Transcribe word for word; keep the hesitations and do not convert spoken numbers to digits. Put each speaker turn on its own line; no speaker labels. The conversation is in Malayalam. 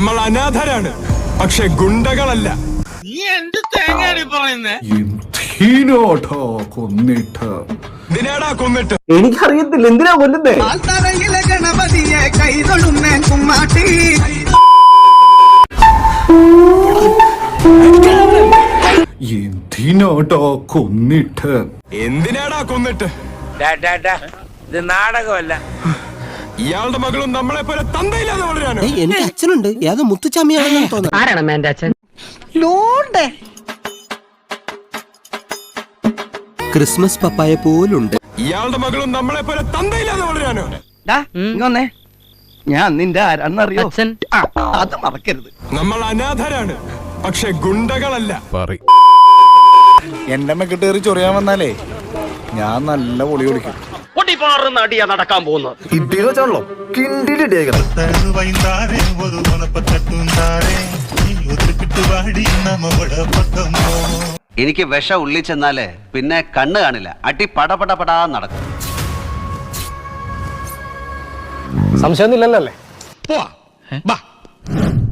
നമ്മൾ അനാഥരാണ്, പക്ഷെ ഗുണ്ടകളല്ല.
നീ എന്ത് തേങ്ങയാണ് പറയുന്നേ?
കൊന്നിട്ട്
ഇതിനാടാ കൊന്നിട്ട്
എനിക്കറിയത്തില്ല എന്തിനാ കൊല്ലുന്നേ.
ഗണപതിയെ കൈതൊഴുന്നേ കുമ്മാട്ടി.
എന്തിനാടാ കൊന്നിട്ട്
എന്തിനാടാ കൊന്നിട്ട്
ഇത് നാടകമല്ല.
ഇയാളുടെ മകളും നമ്മളെ പോലെ തന്തയില്ലാതെ വളരാനോ?
എനിക്ക് അച്ഛനുണ്ട്, ഏതോ മുത്തുച്ചാമിയാണെന്ന് തോന്നുന്നു. ആരാണ് എന്റെ അച്ഛൻ? ക്രിസ്മസ് പപ്പായ പോലുണ്ട്.
ഇയാളുടെ മകളും നമ്മളെ പോലെ തന്തയില്ലാതെ വളരാനോ?
ഞാൻ നിന്റെ ആരാന്നറിയോ? അത് മറക്കരുത്.
നമ്മൾ അനാഥരാണ്, പക്ഷെ ഗുണ്ടകളല്ല.
എന്റെ മെക്കിട്ടേറി ചൊറിയാൻ വന്നാലേ ഞാൻ നല്ല പൊളി കൊടുക്കും.
നടക്കാൻ പോകുന്നത്
ഇടിയോ ചാണല്ലോ കിണ്ടിലിടിയേക്കണം.
എനിക്ക് വിഷം ഉള്ളിൽ ചെന്നാല് പിന്നെ കണ്ണ് കാണില്ല, അടി പടപട പടാ നടക്കും.
സംശയമൊന്നുമില്ലല്ലോ അല്ലേ?